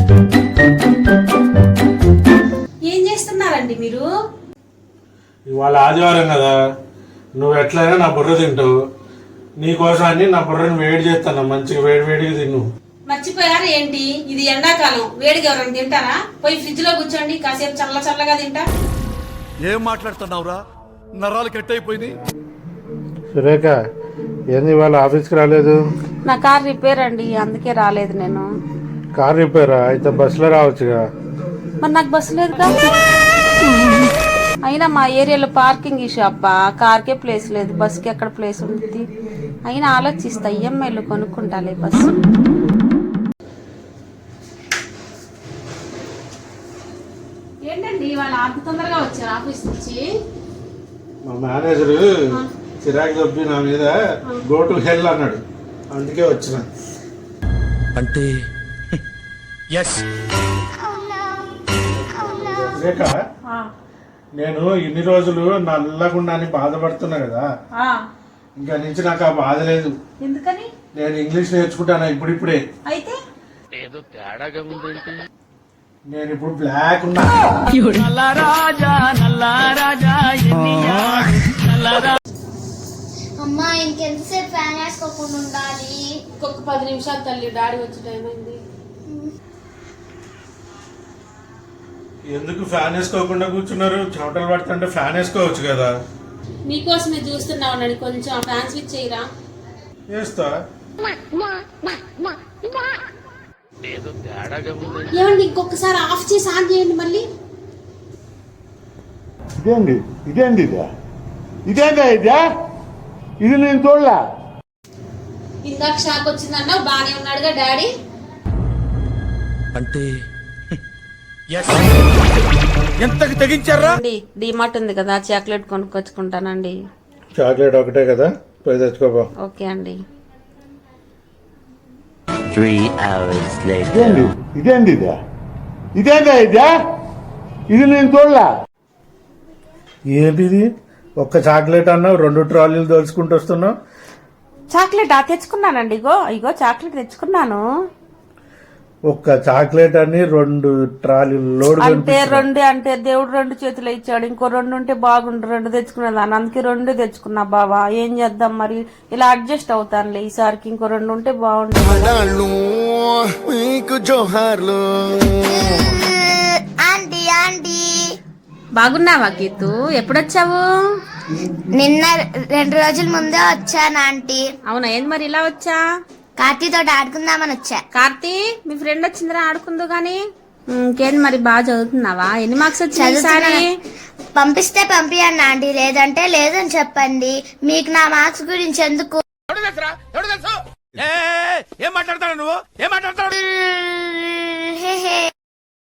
ఏం చేస్తున్నారండి మీరు? ఇవాళ ఆదివారం కదా, నువ్వు ఎట్లయినా నా బుర్ర తింటావు. నీకోసం అని నా బుర్రని వేడి చేస్తాను, మంచిగా వేడి వేడిగా తిన్ను. మర్చిపోయారు ఏంటి? ఇది ఎండాకాలం, వేడిగా ఎవరైనా తింటారా? పోయి ఫ్రిడ్జ్ లో కూర్చోండి, కాసేపు చల్ల చల్లగా తింటా. ఏం మాట్లాడుతున్నావురా? నరాలు కట్ అయిపోయింది. సురేఖ, ఏంది ఇవాళ ఆఫీస్కి రాలేదు? నా కార్ రిపేర్ అండి, అందుకే రాలేదు నేను. కార్ రిపేరా? అయితే బస్సులో రావచ్చుగా. మరి నాకు బస్సు లేదుగా. అయినా మా ఏరియాలో పార్కింగ్ ఇష్యూ అబ్బా, కార్కే ప్లేస్ లేదు, బస్కి ఎక్కడ ప్లేస్ ఉంటుంది? అయినా ఆలోచిస్తా, ఈఎంఐలో కొనుక్కుంటాలే బస్సు. ఏంటండి వాళ్ళు అంత తొందరగా వచ్చారు ఆఫీస్ నుంచి? మా మేనేజరు చిరాకు తప్పి నా మీద గో టు హెల్ అన్నాడు, అందుకే వచ్చిన. అంటే సురేఖ, నేను ఇన్ని రోజులు నల్లగుండా అని బాధపడుతున్నా కదా, ఇంకా నుంచి నాకు ఆ బాధ లేదు. ఎందుకని? నేను ఇంగ్లీష్ నేర్చుకుంటాను ఇప్పుడిప్పుడే. అయితే ఏదో తేడాగా ఉందేంటి? నేను ఇప్పుడు బ్లాక్ ఉన్నా. అమ్మా ఇంకెంతసేపు ఫ్యాన్ వేసుకోకుండా ఉండాలి? ఇంకొక 10 నిమిషాలు తల్లి, డాడీ వచ్చి టైం అయింది. ఎందుకు ఫ్యాన్ వేసుకోకుండా కూర్చున్నారు? చెమటలు పడుతుంటే ఫ్యాన్ వేసుకోవచ్చు కదా. మీకోసమే చూస్తున్నా ఉండండి, కొంచెం ఫ్యాన్ స్విచ్ చేయరా? వేస్తా. ఏదో తేడాగా ఉంది. ఏమండి, ఇంకొకసారి ఆఫ్ చేసి ఆన్ చేయండి మళ్ళీ. ఇదేంది ఇదేంది ఇదే ఇదేందా ఇదే? ఇది నేను చూడలే. ఇందాక షాక్ వచ్చిందన్నా, బానే ఉన్నాడుగా డాడీ. అంటే ఎంతకి తెగించారా? డిమార్ట్ ఉంది కదా, చాక్లెట్ కొనుక్కొచ్చుకుంటానండి. చాక్లెట్ ఒకటే కదా, పోయి తెచ్చుకోపో. ఓకే అండి. 3 hours later. ఇదేంది ఇదేంది ఇదే? ఇదేందా ఇదే? ఇది నేను చూడలే. ఏంటిది? ఒక్క చాక్లెట్ అన్నావు, 2 ట్రాలీలు దోచుకుంటూ వస్తున్నావు. చాక్లెట్ తెచ్చుకున్నానండి, ఇగో ఇగో చాక్లెట్ తెచ్చుకున్నాను. ఒక్క చాక్లెట్ అని 2 ట్రాలీలు లోడ్. అంటే 2 అంటే దేవుడు 2 చేతులు ఇచ్చాడు, ఇంకో 2 ఉంటే బాగుండు, 2 తెచ్చుకునేదాన్ని, అందుకే 2 తెచ్చుకున్నా. బావా ఏం చేద్దాం మరి, ఇలా అడ్జస్ట్ అవుతానులే ఈసారికి. ఇంకో 2 ఉంటే బాగుండు. ఆంటీ ఆంటీ బాగున్నావా గీతు? ఎప్పుడొచ్చావు? నిన్న 2 రోజుల ముందే వచ్చాను ఆంటీ. అవునా, ఏంది మరి ఇలా వచ్చా? కార్తీతో ఆడుకుందామని వచ్చా. కార్తీ, మీ ఫ్రెండ్ వచ్చిందిరా, ఆడుకుందు గాని. ఇంకేంది మరి, బాగా చదువుతున్నావా? ఎన్ని మార్క్స్ వచ్చాయి? పంపిస్తే పంపియండి ఆంటీ, లేదంటే లేదని చెప్పండి. మీకు నా మార్క్స్ గురించి ఎందుకు? ఏం మాట్లాడతాడు నువ్వు? ఏం మాట్లాడతాడు?